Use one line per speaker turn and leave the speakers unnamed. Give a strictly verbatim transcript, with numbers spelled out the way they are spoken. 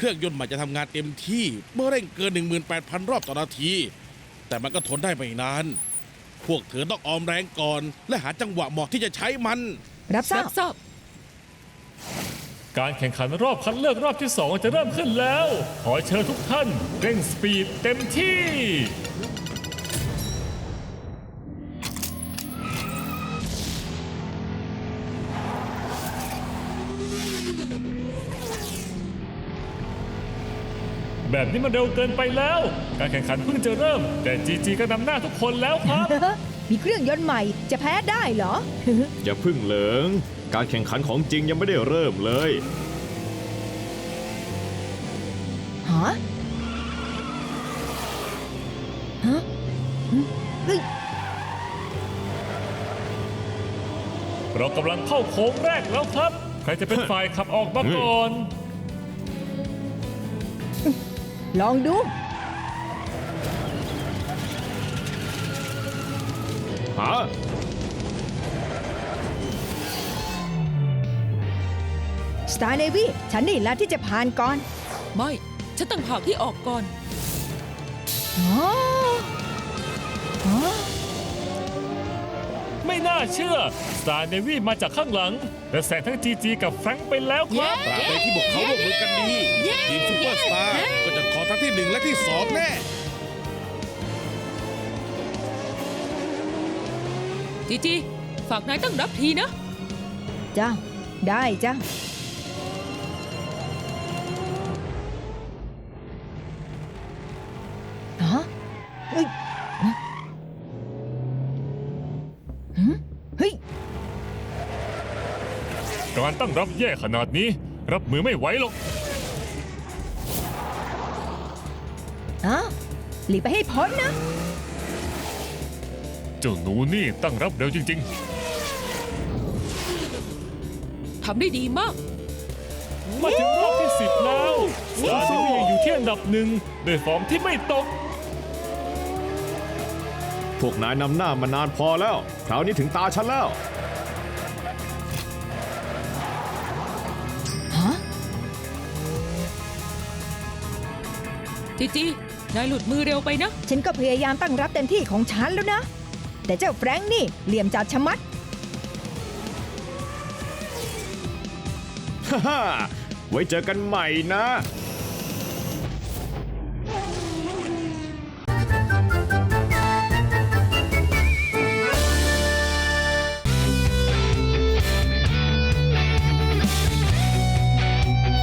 รื่องยนต์ใหม่จะทำงานเต็มที่เมื่อเร่งเกิน หนึ่งหมื่นแปดพัน รอบต่อนาทีแต่มันก็ทนได้ไม่นานพวกเธอต้องออมแรงก่อนและหาจังหวะเหมาะที่จะใช้มัน
รับทรา
รั
บบ
ทราบ
การแข่งขันรอบคัดเลือกรอบที่สองจะเริ่มขึ้นแล้ว ขอเชิญทุกท่านเร่งสปีดเต็มที่ แบบนี้มันเร็วเกินไปแล้ว การแข่งขันเพิ่งจะเริ่ม แต่จีจีก็นำหน้าทุกคนแล้วครับ
มีเครื่องยนต์ใหม่จะแพ้ได้เหรอ
อย่าพึ่งเหลิง การแข่งขันของจริงยังไม่ได้เริ่มเลย
ฮะ ฮะเฮ้ย
เรากำลังเข้าโค้งแรกแล้วครับ ใครจะเป็นฝ่ายขับออกมาก่อน
ลองดู
หา
สตาร์เนวี่ฉันนี่แหละที่จะผ่านก่อน
ไม่ ฉันต่างหากที่ออกก่อน
อ๋ออ๋อ
ไม่น่าเชื่อ สตาร์เนวี่มาจากข้างหลัง และแซงทั้งจีจีกับแฟรงค์ไปแล้วครับ
ตราบใดที่พวกเขาร่วมมือกันดีทีมซูเปอร์สตาร์ก็จะขอทั้งที่หนึ่งและที่สองแน่
จีจี ฝากนายตั้งรับทีนะ
จ้าได้จ้าฮะเฮ้ยหืมเฮ้ย
การตั้งรับแย่ขนาดนี้ รับมือไม่ไหวหรอก
อ้าวหลีกไปให้พ้นนะ
เจ้าหนูนี่ตั้งรับเร็วจริง
ทำได้ดีมาก
ๆ มาถึงรอบที่สิบแล้วสตาร์เนวี่ยังอยู่ที่อันดับหนึ่งด้วยฟอร์มที่ไม่ตก
พวกนายนำหน้ามานานพอแล้ว คราวนี้ถึงตาฉันแล้ว
ฮะ
จีจี นายหลุดมือเร็วไปนะ
ฉันก็พยายามตั้งรับเต็มที่ของฉันแล้วนะ แต่เจ้าแฟรงค์นี่เหลี่ยมจัดชะมัด
ฮ่าฮ่าไว้เจอกันใหม่นะ